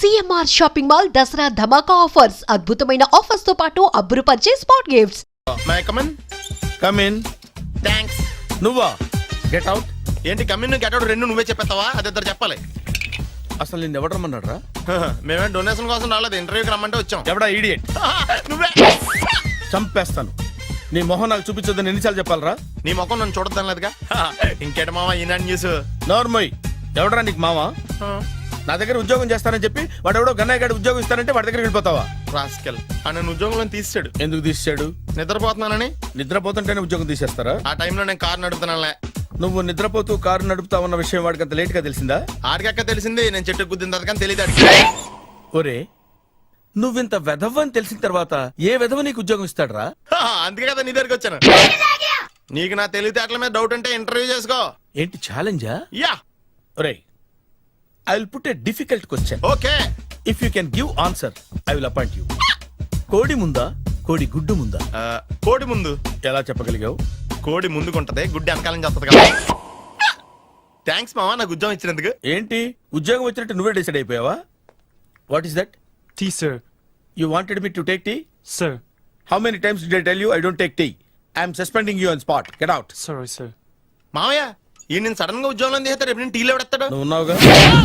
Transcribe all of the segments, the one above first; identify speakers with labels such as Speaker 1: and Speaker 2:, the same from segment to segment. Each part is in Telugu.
Speaker 1: సిఎంఆర్ షాపింగ్ మాల్ దసరా ధమాకా ఆఫర్స్. అద్భుతమైన ఆఫర్స్ తో పాటు అబ్బురుపరిచే spot gifts.
Speaker 2: My come in.
Speaker 3: Come in.
Speaker 2: Thanks.
Speaker 3: నువ్వా? Get out.
Speaker 2: ఏంటి కమిన్ గెట్ అవుట్ రెండు నువ్వే చెప్పేస్తావా? అది ఇద్దరు చెప్పాలి.
Speaker 3: అసలు నేను ఎవడు రమ్మన్నాడు రా?
Speaker 2: మేమే డొనేషన్ కోసం రాలేదు, ఇంటర్వ్యూకి రమ్మంటే వచ్చాం.
Speaker 3: ఎవడా ఈడియట్?
Speaker 2: నువ్వే.
Speaker 3: చంపేస్తాను. నీ మొహం నాకు చూపించొద్దని ఎన్నిసార్లు చెప్పాలరా?
Speaker 2: నీ ముఖం నన్ను చూడద్దాం లేదుగా. ఇంకేట మావా ఈనాడు న్యూస్.
Speaker 3: నోర్మోయ్. ఎవడరా నీకు మావా? నా దగ్గర ఉద్యోగం చేస్తానని చెప్పి వాడు ఎవడో గన్నయ్య గడి ఉద్యోగం ఇస్తానంటే వాడి దగ్గర వెళ్ళిపోతావా?
Speaker 2: రాస్కెల్. నన్ను ఉద్యోగంలో తీసాడు.
Speaker 3: ఎందుకు తీసాడు?
Speaker 2: నిద్రపోతున్నానని.
Speaker 3: నిద్రపోతుంటేనే ఉద్యోగం తీసేస్తారా?
Speaker 2: ఆ టైంలో నేను కారు నడుపుతున్నానులే.
Speaker 3: నువ్వు నిద్రపోతూ కారు నడుపుతా ఉన్న విషయం వాడికి అంత లేట్ గా తెలిసిందా?
Speaker 2: ఆడికక్క తెలిసింది, నేను చెట్టు గుద్దిన తర్వాత కానీ తెలియదు.
Speaker 3: ఒరే, నువ్వింత వెధవ్ అని తెలిసిన తర్వాత ఏ వెధవ నీకు ఉద్యోగం ఇస్తాడరా?
Speaker 2: అందుకే కదా నీ దగ్గరికి వచ్చాను. నీకు నా తెలివితేటల మీద డౌట్ అంటే ఇంటర్వ్యూ చేసుకో.
Speaker 3: ఏంటి ఛాలెంజా?
Speaker 2: యా.
Speaker 3: ఒరే, I will put a difficult question.
Speaker 2: Okay.
Speaker 3: If you can give answer I will appoint you. కోడి ముందా, కోడి గుడ్డు ముందా?
Speaker 2: కోడి ముందు.
Speaker 3: ఎలా చెప్పగలిగావు?
Speaker 2: కోడి ముందుకుంటది, గుడ్డి వెనకాలని చేస్తుంది కదా. థ్యాంక్స్ మావా నాకు ఉద్యోగం ఇచ్చినందుకు.
Speaker 3: ఏంటి ఉద్యోగం వచ్చినట్టు నువ్వే డిసైడ్ అయిపోయావా? What is that?
Speaker 4: Tea, sir.
Speaker 3: You wanted me to take tea?
Speaker 4: Sir.
Speaker 3: How many times did I tell you I don't take tea? I am suspending you on spot. Get out.
Speaker 4: Sorry, sir.
Speaker 2: మావయ్య ఈ నేను సడన్ గా ఉద్యోగంలో తీస్తాడు. రేపు నేను టీలో పెడతాడు.
Speaker 3: నువ్వు ఉన్నావుగా?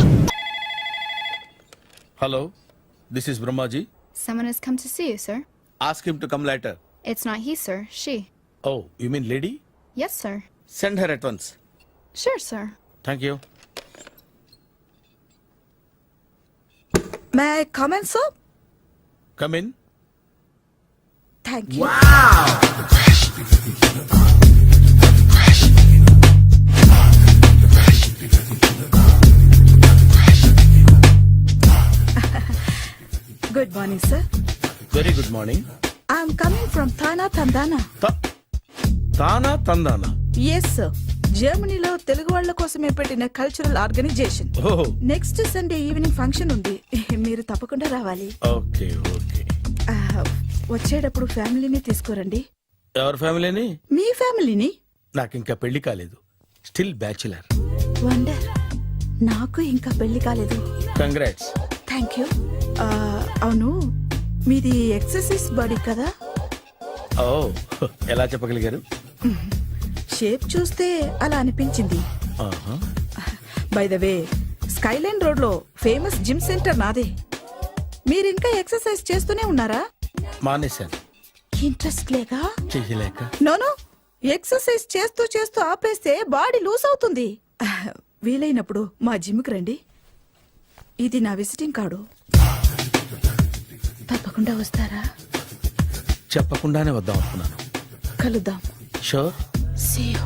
Speaker 3: Hello, this is Brahmaji.
Speaker 5: Someone has come to see you, sir.
Speaker 3: Ask him to come later.
Speaker 5: It's not he, sir. She.
Speaker 3: Oh, you mean lady?
Speaker 5: Yes, sir.
Speaker 3: Send her at once.
Speaker 5: Sure, sir.
Speaker 3: Thank you.
Speaker 6: May I come in, sir?
Speaker 3: Come in.
Speaker 6: Thank you. Good morning, sir.
Speaker 3: Very good morning.
Speaker 6: I'm coming from Thana, Tandana.
Speaker 3: తానా తందానా?
Speaker 6: Yes, sir. జర్మనీలో తెలుగు వాళ్ళ కోసమే పెట్టిన cultural organisation.
Speaker 3: Oh,
Speaker 6: next Sunday evening function ఉంది, మీరు తప్పకుండా రావాలి.
Speaker 3: Okay okay.
Speaker 6: వచ్చేటప్పుడు ఫ్యామిలీని తీసుకురండి.
Speaker 3: ఎవరి ఫ్యామిలీని?
Speaker 6: మీ ఫ్యామిలీని.
Speaker 3: నాకు ఇంకా పెళ్లి కాలేదు. Still bachelor.
Speaker 6: వండర్. నాకు ఇంకా పెళ్లి కాలేదు.
Speaker 3: కంగ్రాట్స్.
Speaker 6: Thank you. అవును, మీది ఎక్సర్సైజ్ బాడీ కదా?
Speaker 3: ఓ, ఎలా చెప్పగలిగారు?
Speaker 6: షేప్ చూస్తే అలా అనిపించింది. By the way, skyline road లో ఫేమస్ జిమ్ సెంటర్ నాదే. మీరు ఇంకా ఎక్సర్సైజ్ చేస్తూనే ఉన్నారా?
Speaker 3: మానేశాను.
Speaker 6: ఇంట్రెస్ట్ లేగా?
Speaker 3: చెయ్యలేక.
Speaker 6: నోను, ఎక్సర్సైజ్ చేస్తూ చేస్తూ ఆపేస్తే బాడీ లూజ్ అవుతుంది. వీలైనప్పుడు మా జిమ్కి రండి. ఇది నా విజిటింగ్ కార్డు. తప్పకుండా వస్తారా?
Speaker 3: చెప్పకుండానే వద్దాం అనుకున్నాను.
Speaker 6: కలుద్దాం.
Speaker 3: షూర్.
Speaker 6: See you.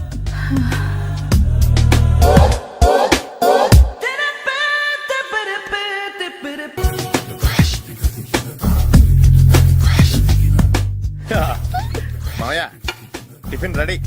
Speaker 2: మావయ్య టిఫిన్ రెడీ.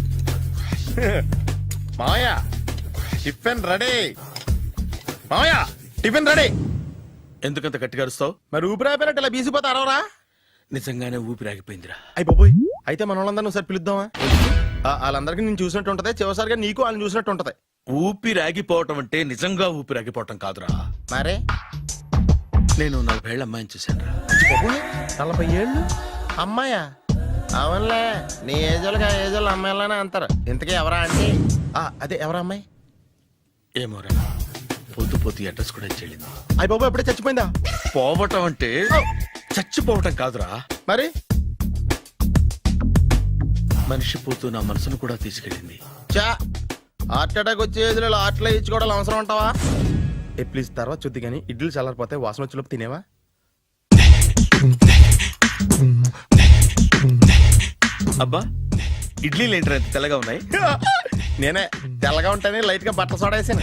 Speaker 2: మావయ్య టిఫిన్ రెడీ. మావయ్య టిఫిన్ రెడీ.
Speaker 3: ఎందుకంత గట్టిగా అరుస్తావు?
Speaker 2: మరి ఊపిరి అయిపోయినట్టు ఇలా బీసిపోతే అరవరా?
Speaker 3: నిజంగానే ఊపిరాగిపోయిందిరా.
Speaker 2: అయ్యి బాబోయ్, అయితే మన వాళ్ళందరినీ ఒకసారి పిలుద్దామా? వాళ్ళందరికీ నేను చూసినట్టు ఉంటది, చివరిసారిగా నీకు వాళ్ళని చూసినట్టు ఉంటది.
Speaker 3: ఊపిరాగిపోవటం అంటే నిజంగా ఊపిరాగిపోవటం కాదురా.
Speaker 2: మరే
Speaker 3: నేను 40 ఏళ్ల అమ్మాయిని చూశాను రా.
Speaker 2: 40 ఏళ్ళు అమ్మాయా? అవునులే, నీ ఏజోళ్ళకి ఆ ఏజోళ్ళు అమ్మాయిలానే అంటారు. ఇంతకీ ఎవరా అంటే? అదే ఎవరా అమ్మాయి?
Speaker 3: ఏమోరా, పోతూ పోతూ అడ్రస్ కూడా చెల్లింది.
Speaker 2: అయ్యి బాబు ఎప్పుడే చచ్చిపోయిందా?
Speaker 3: పోవటం అంటే చచ్చిపోవటం కాదురా.
Speaker 2: మరి
Speaker 3: మనిషి పోతూ నా మనసును కూడా తీసుకెళ్ళింది.
Speaker 2: చా, హార్ట్ అటాక్ వచ్చే ఏజ్లో హార్ట్లో ఇచ్చుకోవడం అవసరం అంటావా? ప్లీజ్ తర్వాత చూద్ది కానీ ఇడ్లీలు చల్లారిపోతే వాసన వచ్చేలోపు తినేవా?
Speaker 3: అబ్బా, ఇడ్లీలు ఏంటి అంత తెల్లగా ఉన్నాయి?
Speaker 2: నేనే తెల్లగా ఉంటానే లైట్ గా బట్టలు సోడా వేసాను.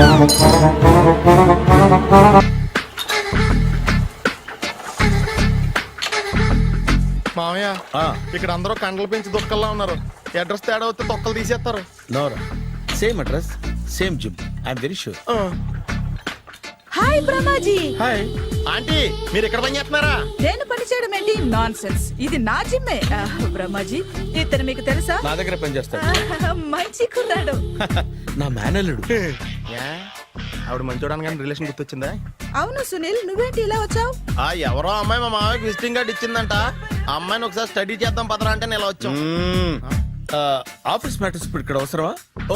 Speaker 2: మామయ్య, ఇక్కడ అందరూ కండలు పెంచి దుక్కల్లా ఉన్నారు. అడ్రస్ తేడా వస్తే తొక్కలు తీసేస్తారు.
Speaker 3: నోరా, same address, same gym. I'm very sure.
Speaker 6: Hi Brahmaji.
Speaker 3: Hi
Speaker 2: aunty, మీరు ఇక్కడ పని చేస్తున్నారా?
Speaker 6: నేను పని చేయడం ఏంటి? Nonsense. ఇది నా జిమ్మే. బ్రహ్మాజీ, ఇతను మీకు తెలుసా?
Speaker 3: నా దగ్గర పని చేస్తాడు.
Speaker 6: మంచి కుర్రాడు.
Speaker 3: నా మేనల్లుడు.
Speaker 2: ఆవిడ మంచి చూడడానికి రిలేషన్ గుర్తొచ్చిందా?
Speaker 6: అవును సునీల్, నువ్వేంటి ఇలా వచ్చావు?
Speaker 2: ఎవరో అమ్మాయి మా మామయ్యకి విజిటింగ్ కార్డ్ ఇచ్చిందంట. ఆ అమ్మాయిని ఒకసారి స్టడీ చేద్దాం పదరా అంటే నేను ఇలా వచ్చాం.
Speaker 3: ఆఫీస్ మ్యాటర్స్ ఇప్పుడు ఇక్కడ అవసరమా? ఓ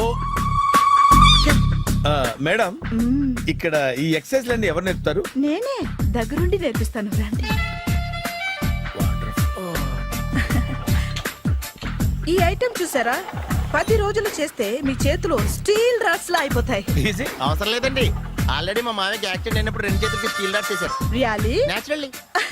Speaker 3: మేడం, ఇక్కడ ఈ ఎక్సర్సైజ్ లన్నీ ఎవరు నేర్పుతారు?
Speaker 6: నేనే దగ్గరుండి నేర్పిస్తాను, రండి. ఈ ఐటెం చూసారా? 10 రోజులు చేస్తే మీ చేతులు స్టీల్ రాట్స్ లా అయిపోతాయి.
Speaker 3: ఈజీ.
Speaker 2: అవసరం లేదండి, ఆల్రెడీ మా మామయ్యకి యాక్సిడెంట్ అయినప్పుడు 2 చేతులకి స్టీల్ డాట్ చేశారు.
Speaker 6: రియాలీ?
Speaker 2: నేచురల్లీ.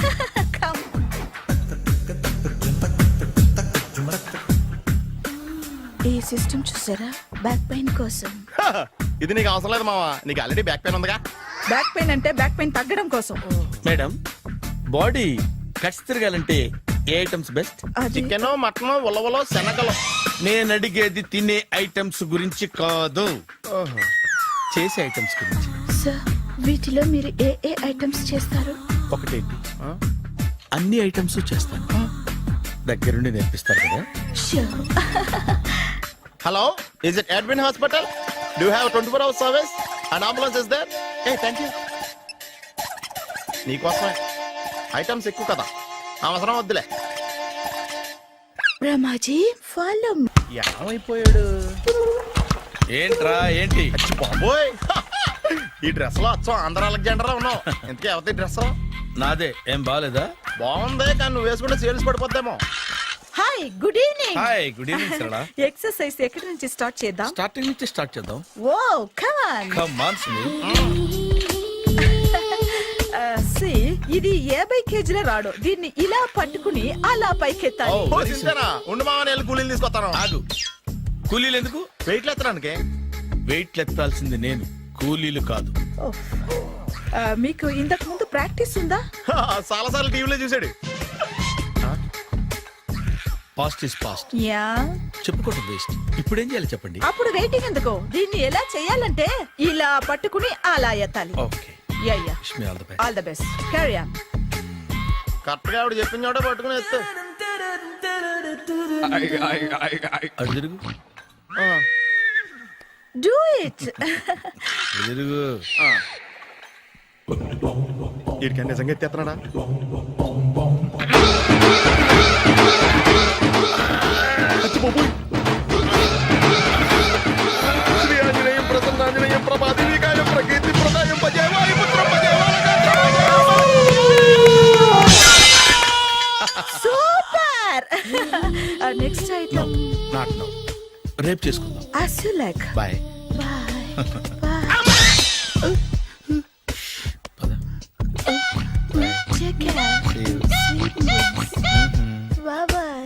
Speaker 6: ఈ సిస్టమ్ చూసారా? బ్యాక్ పెయిన్ కోసం.
Speaker 2: ఇది నీకు అవసరం లేదు మావా, నీకు ఆల్రెడీ బ్యాక్ పెయిన్ ఉందిగా.
Speaker 6: బ్యాక్ పెయిన్ అంటే బ్యాక్ పెయిన్ తగ్గడం కోసం.
Speaker 3: మేడం, బాడీ కట్స్ తిరగాలంటే ఏ ఐటమ్స్ బెస్ట్?
Speaker 6: అది
Speaker 2: చికెన్, మటన్, ఉలవలో, శనగలు.
Speaker 3: నేను అడిగేది తినే ఐటమ్స్ గురించి కాదు, చేసే ఐటమ్స్ గురించి.
Speaker 6: సార్, వీటిలో మీరు ఏ ఏ ఐటమ్స్ చేస్తారు?
Speaker 3: ఒకటేంటి, అన్ని ఐటమ్స్ చేస్తాను. దగ్గరుండి నేర్పిస్తారు కదా?
Speaker 6: Sure.
Speaker 2: Hello, is it admin hospital? Do have 24 hours service? And ambulance is there? Thank you. నీకోసమే ఐటమ్స్ ఎక్కువ కదా, అవసరం వద్దులే.
Speaker 6: రమాజీ, ఫాలో.
Speaker 2: ఏమైపోయాడు?
Speaker 3: ఏంట్రా ఏంటి?
Speaker 2: అచ్చి బాబోయ్, ఈ డ్రెస్ లో అచ్చం ఆంధ్ర అలెగ్జాండర్ లో ఉన్నావు. ఇంతకీ ఎవరి డ్రెస్?
Speaker 3: నాదే. ఏం బాగాలేదా?
Speaker 2: బాగుంది, కానీ నువ్వు వేసుకుంటే సేల్స్ పడిపోద్దేమో.
Speaker 6: Hi, good evening.
Speaker 3: Hi, good evening Sarala.
Speaker 6: Exercise ఎక్కడి నుంచి స్టార్ట్ చేద్దాం?
Speaker 3: స్టార్టింగ్ నుంచి స్టార్ట్ చేద్దాం.
Speaker 6: Oh come on.
Speaker 3: Come on Sunil.
Speaker 6: ఇది 50 కేజీల రాడు. దీన్ని ఇలా పట్టుకుని అలా పైకెత్తాలి.
Speaker 3: Oh.
Speaker 2: ఓ, సింతేనా? ఉండు మామని వెళ్ళి కూలీలు తీసుకొస్తాను.
Speaker 3: ఆగు. కూలీలు ఎందుకు?
Speaker 2: వెయిట్ ఎత్తడానికి.
Speaker 3: వెయిట్ ఎత్తాల్సింది నేను, కూలీలు కాదు.
Speaker 6: మీకు ఇంతకు ముందు ప్రాక్టీస్ ఉందా?
Speaker 2: చాలా సార్లు టీవీలో చూసాడు.
Speaker 3: Past is past,
Speaker 6: yeah.
Speaker 3: చెప్పుకోవటం వేస్ట్. ఇప్పుడు ఏం చేయాలి చెప్పండి?
Speaker 6: అప్పుడు వెయిటింగ్ ఎందుకు? దీన్ని ఎలా చేయాలంటే ఇలా పట్టుకుని అలా ఎత్తాలి.
Speaker 3: Okay,
Speaker 6: yeah yeah.
Speaker 3: Wish me all the best.
Speaker 6: All the best. Carry on.
Speaker 2: Correct గా ఆవిడ చెప్పిన చోట పట్టుకుని ఎత్తు.
Speaker 3: అటు తిరుగు,
Speaker 6: డూ ఇట్.
Speaker 3: అటు తిరుగు.
Speaker 2: వీడికి నిజంగా ఎత్తేస్తున్నాడా? శ్రీ ఆంజనేయం ప్రసన్నాంజనేయం ప్రభాది వికాయం ప్రకీర్తి ప్రదాయం భజేవాయు పుత్రం
Speaker 6: super. Next item
Speaker 3: not now, రేపు చేసుకుందాం.
Speaker 6: as you like.
Speaker 3: Bye.
Speaker 6: Bye. Bye.
Speaker 3: పద.
Speaker 6: Take care.
Speaker 3: See you.
Speaker 6: Sweet dreams. Bye bye.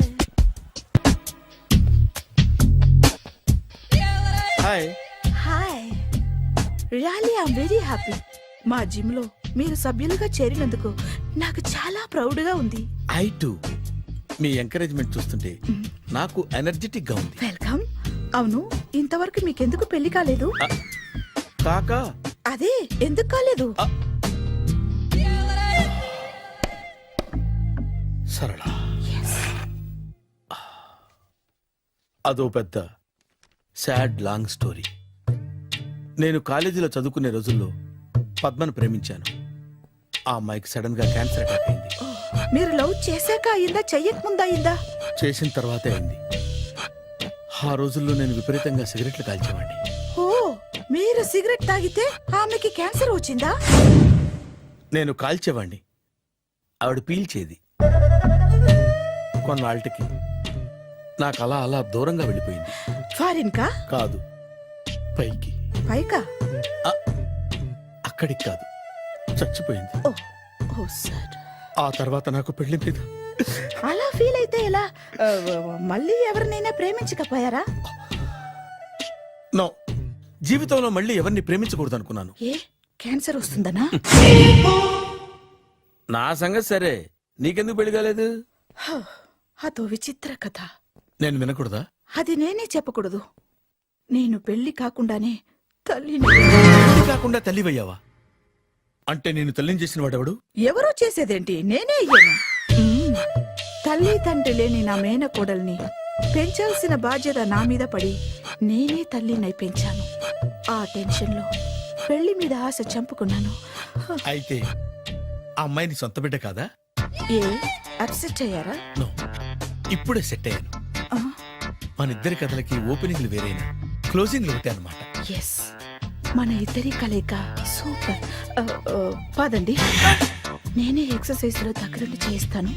Speaker 3: Hi.
Speaker 6: Hi. Really I'm very happy. మా జిమ్ లో మీరు సభ్యులుగా చేరినందుకు నాకు చాలా ప్రౌడ్ గా ఉంది.
Speaker 3: I to. మీ ఎంకరేజ్మెంట్ చూస్తుంటే నాకు ఎనర్జెటిక్ గా ఉంది.
Speaker 6: వెల్కమ్. అవును, ఇంతవరకు మీకెందుకు పెళ్లి కాలేదు?
Speaker 3: కాకా,
Speaker 6: అదే ఎందుకు కాలేదు?
Speaker 3: సరళ, అదో పెద్ద సాడ్ లాంగ్ స్టోరీ. నేను కాలేజీలో చదువుకునే రోజుల్లో పద్మను ప్రేమించాను. ఆ అమ్మాయికి సడన్ గా క్యాన్సర్ అటాక్ అయింది.
Speaker 6: మీరు లవ్ చేశాక అయిందా, చెయ్యక ముందా అయిందా?
Speaker 3: చేసిన తర్వాతే అయింది. ఆ రోజుల్లో నేను విపరీతంగా సిగరెట్లు కాల్చేవాడిని.
Speaker 6: ఓ, మీరు సిగరెట్ తాగితే ఆమెకి క్యాన్సర్ వచ్చిందా?
Speaker 3: నేను కాల్చేవాణ్ణి, ఆవిడ పీల్చేది. కొన్నాళ్ళకి నాకు అలా అలా దూరంగా వెళ్ళిపోయింది.
Speaker 6: ఫారిన్ కా?
Speaker 3: కాదు, పైకి.
Speaker 6: పైకా?
Speaker 3: అక్కడికి కాదు, చచ్చిపోయింది.
Speaker 6: Oh, oh sir.
Speaker 3: ఆ తర్వాత నాకు పెళ్లి మీద
Speaker 6: అలా ఫీల్ అయితే ఎలా? మళ్ళీ ఎవరినైనా ప్రేమించకపోయారా?
Speaker 3: నో, జీవితంలో మళ్ళీ ఎవరిని ప్రేమించకూడదు అనుకున్నాను.
Speaker 6: ఏ, క్యాన్సర్ వస్తుందనా?
Speaker 3: నా సంగతి సరే, నీకెందుకు పెళ్లి కాలేదు?
Speaker 6: అదో విచిత్ర కథ.
Speaker 3: నేను వినకూడదా?
Speaker 6: అది నేనే చెప్పకూడదు. నేను పెళ్లి కాకుండానే తల్లిని.
Speaker 3: పెళ్లి కాకుండా తల్లివయ్యావా? అంటే నేను తల్లిని చేసిన వాడెవడు?
Speaker 6: ఎవరో చేసేదేంటి, నేనే అయ్యాను. తల్లి తండ్రి లేని నా మేనకోడల్ని పెంచాల్సిన బాధ్యత నా మీద పడి నేనే తల్లినై పెంచాను. ఆ టెన్షన్లో పెళ్లి మీద ఆశ చంపుకున్నాను.
Speaker 3: అయితే ఆ అమ్మాయిని సొంత బిడ్డ కాదా?
Speaker 6: ఏ అప్సెట్ అయ్యారా?
Speaker 3: నో, ఇప్పుడే సెట్ అయ్యాను.
Speaker 6: ఆ,
Speaker 3: మన ఇద్దరి కథలకి ఓపెనింగ్లు వేరైనా క్లోజింగ్లు ఒకటే అనమాట.
Speaker 6: ఎస్, మన ఇద్దరి కలయిక సూపర్. పదండి, నేనే ఎక్సర్సైజ్ లో దగ్గరుండి చేయిస్తాను.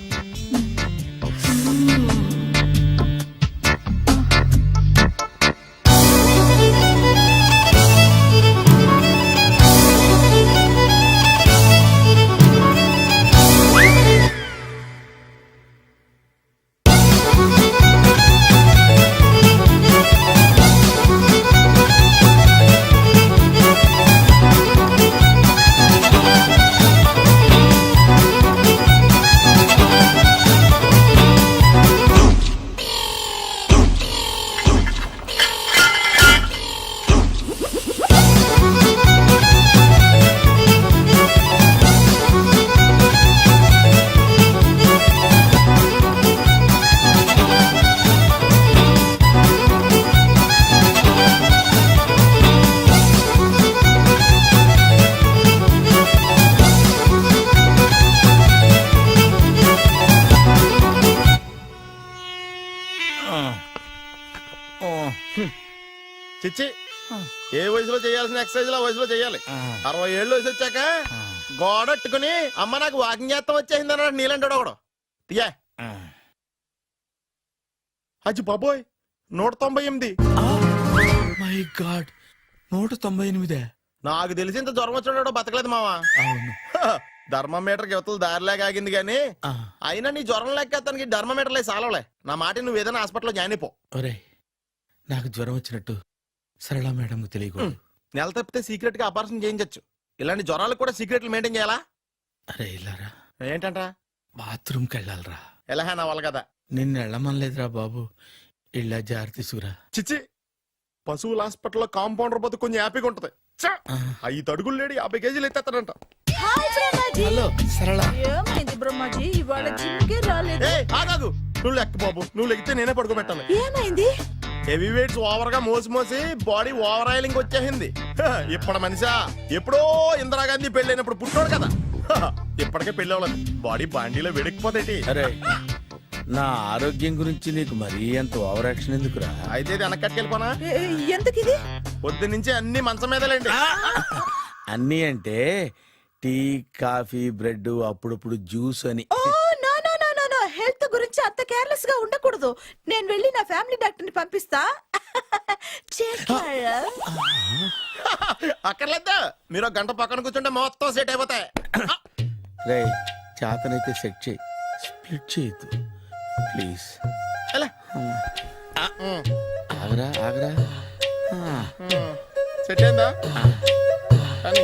Speaker 2: చిచ్చి, ఏ వయసులో చేయాల్సిన ఎక్సర్సైజ్ ఆ వయసులో చేయాలి. 60 ఏళ్ళు వయసు వచ్చాక గోడట్టుకుని అమ్మ నాకు వాకింగ్ చేస్తాం వచ్చేసింది అన్నాడు నీలంటాడు ఒకడు. తీయా అజ్జి బాబోయ్, 198.
Speaker 3: My god, 198.
Speaker 2: నాకు తెలిసి ఇంత జ్వరం వచ్చాడు బతకలేదు మావా.
Speaker 3: అవును.
Speaker 2: ధర్మమీటర్ యువతలు దారిలాగా ఆగింది గానీ అయినా నీ జ్వరం లెక్క అతనికి ధర్మమీటర్లే సాలవలే. నా మాట నువ్వు ఏదైనా హాస్పిటల్లో జాయిన్ అయిపో.
Speaker 3: ఒరేయ్, నాకు జ్వరం వచ్చినట్టు సరళ మేడం తెలియకూడదు.
Speaker 2: నెల తప్పితే సీక్రెట్ గా ఆపరేషన్ చేయించచ్చు. ఇలాంటి జ్వరాలకు కూడా సీక్రెట్లు మెయింటైన్ చేయాలా?
Speaker 3: అరే ఇల్లారా,
Speaker 2: ఏంటంట?
Speaker 3: బాత్రూమ్కి వెళ్ళాలరా.
Speaker 2: ఎలా నా వాళ్ళ కదా.
Speaker 3: నిన్ను వెళ్ళమనలేదురా బాబు, ఇళ్ళ జారి తీసుకురా.
Speaker 2: చిచ్చి, పశువుల హాస్పిటల్లో కాంపౌండర్ బతు కొంచెం హ్యాపీగా ఉంటది. 5 అడుగులు లేడి 50 కేజీలు ఎత్తేస్తాడంట.
Speaker 3: హలో సరళ.
Speaker 6: ఏమైంది బ్రహ్మాజీ, ఇవాళ జిమ్కే రాలేదు?
Speaker 2: ఏ ఆగాగు, నువ్వు లెక్క బాబు. నువ్వు లెక్కితే నేనే పడుకోబెట్టాలి.
Speaker 6: ఏమైంది?
Speaker 2: హెవీ వెయిట్స్ ఓవర్ గా మోసి మోసి బాడీ ఓవర్ ఆయిలింగ్ వచ్చేసింది. ఇప్పుడు మనిషా ఎప్పుడో ఇందిరాగాంధీ పెళ్ళైనప్పుడు పుట్టాడు కదా, ఇప్పటికే పెళ్లి అవ్వలేదు. బాడీ బాండీలో వెడికిపోతాయి.
Speaker 3: అరే, నా ఆరోగ్యం గురించి నీకు మరీ అంత ఓవర్ యాక్షన్ ఎందుకురా?
Speaker 2: అయితే ఇది వెనకట్టుకెళ్ళిపోనా?
Speaker 6: ఎందుకిది?
Speaker 2: పొద్దు నుంచి అన్ని మంచం మీదలేండి.
Speaker 3: అన్నీ అంటే టీ, కాఫీ, బ్రెడ్, అప్పుడప్పుడు జ్యూస్ అని.
Speaker 6: Oh no no no no no, health గురించి అంత కేర్లెస్ గా ఉండకూడదు. నేను వెళ్ళి నా ఫ్యామిలీ డాక్టర్ ని పంపిస్తా. చేస్తారా?
Speaker 2: అక్కర్లేదా, మీరు ఒక గంట పక్కన కూర్చుంటే మొత్తం సెట్ అయిపోతాయి.
Speaker 3: రే, చేతనైతే సెట్ చేయి, స్ప్లిట్ చేయొద్దు ప్లీజ్.
Speaker 2: ఎలా?
Speaker 3: ఆగరా ఆగరా.
Speaker 2: సెట్ అయిందా? కానీ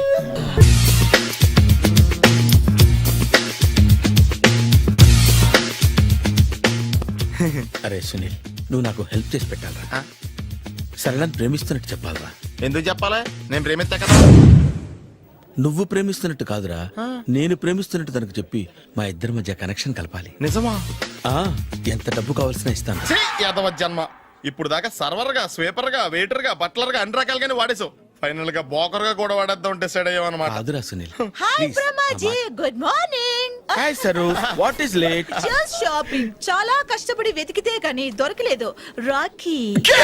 Speaker 3: అరే సునీల్, నువ్వు నాకు హెల్ప్ చేసి పెట్టాలరా. సరళని ప్రేమిస్తున్నట్టు చెప్పాలరా.
Speaker 2: ఎందుకు చెప్పాలి? నేను ప్రేమిస్తా కదా.
Speaker 3: నువ్వు ప్రేమిస్తున్నట్టు కాదురా, నేను ప్రేమిస్తున్నట్టు తనకు చెప్పి మా ఇద్దరి మధ్య కనెక్షన్ కలపాలి.
Speaker 2: నిజమా?
Speaker 3: ఆ, ఎంత డబ్బు కావాల్సిన ఇస్తాను.
Speaker 2: యాదవ జన్మ. ఇప్పుడు దాకా సర్వర్ గా, స్వీపర్ గా, వెయిటర్ గా, బట్లర్ గా అన్ని రకాలుగానే వాడేసావు. ఫైనల్ గా బోకర్ గా కూడా వాడేద్దాం డిసైడ్ అయ్యామన్నమాట.
Speaker 3: కాదురా Sunil.
Speaker 6: Hi Brahmaji, good morning.
Speaker 3: Hi Saru, what is late?
Speaker 6: Just shopping. చాలా కష్టపడి వెతికితే కానీ దొరకలేదు. రాఖీ.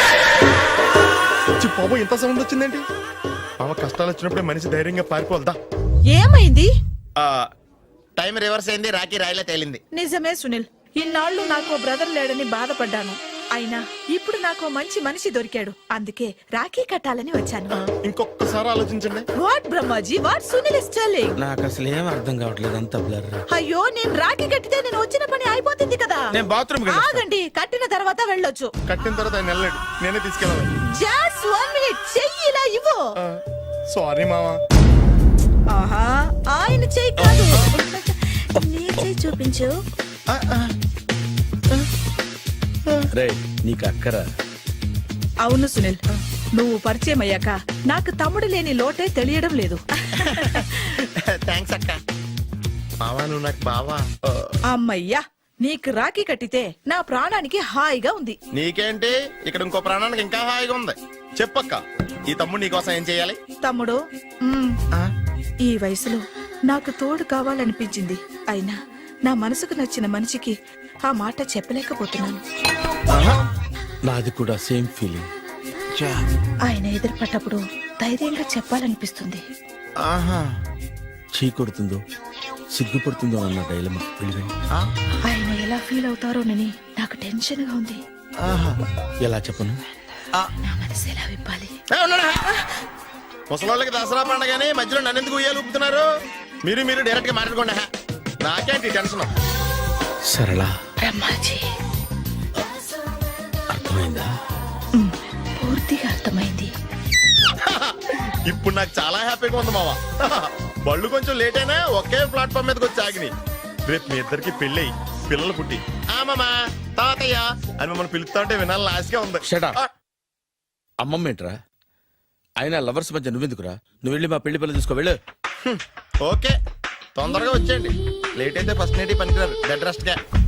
Speaker 2: బాబు ఇంత సౌండ్ వచ్చిందేంటి? మామ కష్టాలు వచ్చినప్పుడే మనిషి ధైర్యంగా పారిపోవద్దా.
Speaker 6: ఏమైంది?
Speaker 2: టైం రివర్స్ అయింది, రాఖీ రాయిలా తేలింది.
Speaker 6: నిజమే సునీల్, ఇన్నాళ్ళు నాకు బ్రదర్ లేడని బాధపడ్డాను. అయినా ఇప్పుడు నాకు మంచి మనిషి దొరికాడు. అందుకే రాఖీ కట్టాలని వచ్చాను.
Speaker 2: ఇంకొకసారి ఆలోచించండి.
Speaker 6: What Brahmaji, what Sunil is telling?
Speaker 3: నాకు అసలు ఏం అర్థం కావట్లేదు, అంత బ్లర్.
Speaker 6: అయ్యో, నేను రాఖీ కట్టితే నేను వచ్చిన పని అయిపోతుంది కదా.
Speaker 3: నేను బాత్రూమ్
Speaker 6: ఆగండి, కట్టిన తర్వాత వెళ్ళొచ్చు.
Speaker 2: కట్టిన తర్వాత ఆయన వెళ్ళాడు, నేనే తీసుకెళ్ళాలి.
Speaker 6: జస్ట్ 1 మినిట్, చెయ్యి ఇలా ఇవ్వు.
Speaker 2: సారీ మామా.
Speaker 6: ఆహా, ఆయన చెయ్యి కాదు, నీ చెయ్యి చూపించు.
Speaker 3: రే, నీకు అక్కరా?
Speaker 6: అవును సునీల్, నువ్వు పరిచయం అయ్యాక నాకు తమ్ముడు లేని లోటే తెలియడం లేదు.
Speaker 2: థ్యాంక్స్ అక్క. మావా నువ్వు నాకు బావా.
Speaker 6: అమ్మయ్యా, నీకు రాఖీ కట్టితే నా ప్రాణానికి హాయిగా ఉంది.
Speaker 2: నీకేంటి, ఇక్కడ ఇంకో ప్రాణానికి ఇంకా హాయిగా ఉంది. చెప్పక్క ఈ తమ్ముడు నీకోసం ఏం చేయాలి?
Speaker 6: తమ్ముడు ఈ వయసులో నాకు తోడు కావాలనిపించింది. అయినా నా మనసుకు నచ్చిన మనిషికి ఆ మాట చెప్పలేకపోతున్నాను.
Speaker 3: నాది కూడా సేమ్ ఫీలింగ్.
Speaker 6: ఆయన ఎదురుపడ్డప్పుడు ధైర్యంగా చెప్పాలనిపిస్తుంది.
Speaker 3: చీ కొడుతుందో సిగ్గుపడుతుందో అన్న డైలమా.
Speaker 6: ఆయన ఎలా ఫీల్ అవుతారోనని నాకు టెన్షన్ గా ఉంది.
Speaker 3: ఎలా చెప్పను?
Speaker 6: నా మనసు ఎలా విప్పాలి?
Speaker 2: ముసలోళ్ళకి దసరా పండగని మధ్యలో నన్ను ఎందుకు ఉయ్యాలు ఊపుతున్నారు? మీరు డైరెక్ట్ గా మాట్లాడుకోండి. నాకేంటి టెన్షన్?
Speaker 3: సరళ,
Speaker 6: బ్రహ్మాజీ,
Speaker 3: అర్థమైందా?
Speaker 6: పూర్తిగా అర్థమైంది.
Speaker 2: ఇప్పుడు నాకు చాలా హ్యాపీగా ఉంది మావా. బళ్ళు కొంచెం లేట్ అయినా ఒకే ప్లాట్ఫామ్ మీదకి వచ్చి ఆగినాయి. రేపు మీ ఇద్దరికి పెళ్ళి పిల్లలు పుట్టి మామా తాతయ్య అని మమ్మల్ని పిలుస్తా ఉంటే వినాలని ఆశగా ఉంది.
Speaker 3: Shut up. అమ్మమ్మ ఏంట్రా? అయినా లవర్స్ మధ్య నువ్వెందుకురా? నువ్వు వెళ్ళి మా పెళ్లి పిల్లలు తీసుకో వెళ్ళు.
Speaker 2: ఓకే, తొందరగా వచ్చేయండి. లేట్ అయితే ఫస్ట్ నైట్ పనికిరారు. బెడ్ రెస్ట్ గా.